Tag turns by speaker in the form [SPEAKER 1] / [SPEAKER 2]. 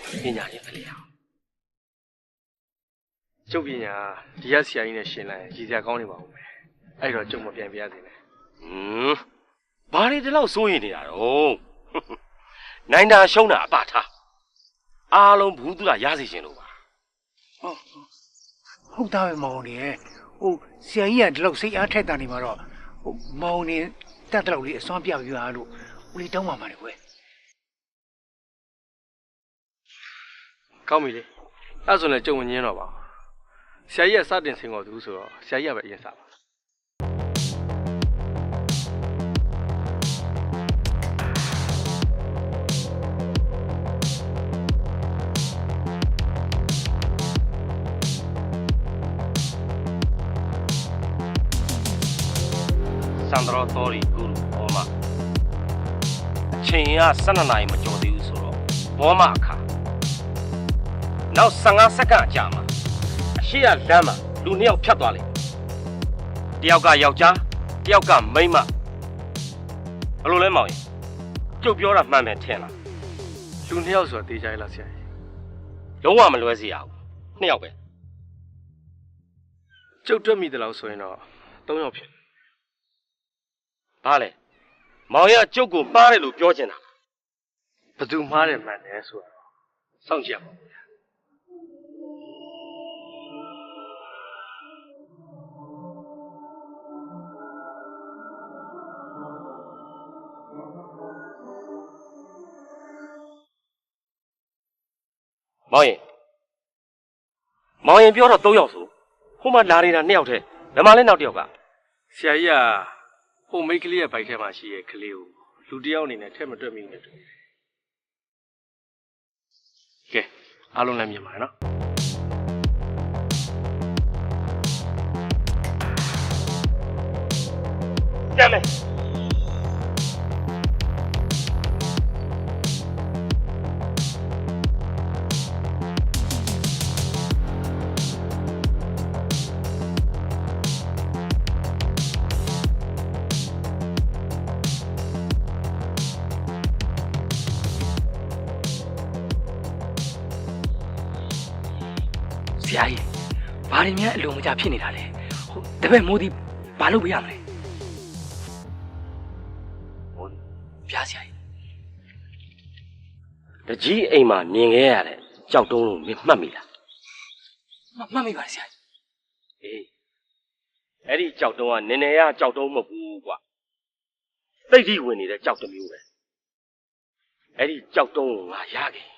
[SPEAKER 1] ပညာရှင်ဖြစ်လေအောင်
[SPEAKER 2] ကျုပ်ပညာဒီရက်ဆရာကြီးနဲ့ရှင်လိုက်ရင်ရည်စရာကောင်းနေပါဦးမယ်အဲ့တော့ကျုပ်မပြန်ပြရစေနဲ့
[SPEAKER 1] ဘာတွေဒီလောက်စိုးရင်နေတာတော့နိုင်တာရှုံးတာအပထားအားလုံးဘူးသူကရစေရှင်လို့ပါ
[SPEAKER 3] ဟုတ်သားပဲမောင်နေဟိုဆရာကြီးကဒီလောက်စိတ်အားထက်တာနေမှာတော့ဟိုမောင်နေတတ်တော့လေးအစွမ်းပြပြပါလို့ဦးလေးတောင်းပါမှာလေကွယ်
[SPEAKER 2] ကောင်းပြီလေအဲ့ဆိုလည်းကျုပ်မငင်းတော့ပါဘူးဆရာကြီးကစတင်ဆင်ခေါ်သူဆိုတော့ဆရာကြီးကပဲအရင်စပါ
[SPEAKER 1] စန္ဒရောတော်ရီဂူဘောမအချိန်က12နာရီမကျော်သေးဘူးဆိုတော့ဘောမအခါနောက်15စက္ကန့်အကြာမှာအရှိရလမ်းမှာလူ2ယောက်ဖြတ်သွားလိမ့်တယောက်ကယောက်ျားတယောက်ကမိန်းမဘယ်လိုလဲမောင်ရင်ကျုပ်ပြောတာမှန်တယ်ထင်လား
[SPEAKER 2] လူ2ယောက်ဆိုတာတေးကြရလားဆရာကြီး
[SPEAKER 1] လုံးဝမလွဲစေရဘူး2ယောက်ပဲ
[SPEAKER 2] ကျုပ်တွက်မိတယ်လို့ဆိုရင်တော့3ယောက်ဖြစ်
[SPEAKER 1] ဘာလဲမောင်ရကျုပ်ကိုမှားတယ်လို့ပြောချင်တာ
[SPEAKER 2] ဘသူမှားတယ်မှန်တယ်ဆိုတော့စောင့်ကြည့်ရပါဦးဗျာ
[SPEAKER 1] မောင်ရင်ပြောတော့3ယောက်ဆိုဟိုမှာလာနေတာ2ယောက်တည်းဘယ်မှာလဲနောက်1ယောက်က
[SPEAKER 2] ဆရာကြီးကဟိုမိတ်ကလေးရဲ့ဘိုက်ထဲမှာရှိရဲ့ကလေးကိုလူတစ်ယောက်အနေနဲ့ထက်မတွက်မိနဲ့တူကဲအားလုံးလည်းမြင်ပါနော်
[SPEAKER 1] ကြမ်းမယ်
[SPEAKER 3] ဆရာကြီးဘာတွေများအလုံးမကြဖြစ်နေတာလဲဟိုတပည့်မိုးဒီဘာလုပ်ပေးရမလဲပြားဆရာကြီး
[SPEAKER 1] တကြီးအိမ်မှာမြင်ခဲ့ရတဲ့ကြောက်တုံးလို့မင်းမှတ်မိလား
[SPEAKER 3] မှတ်မိပါတယ်ဆရာကြီး
[SPEAKER 1] အေးအဲ့ဒီကြောက်တုံးကနည်းနည်းရကြောက်တုံးမဟုတ်ဘူးကွာသိတိဝင်နေတဲ့ကြောက်တစ်မျိုးပဲအဲ့ဒီကြောက်တုံးကိုငါရခဲ့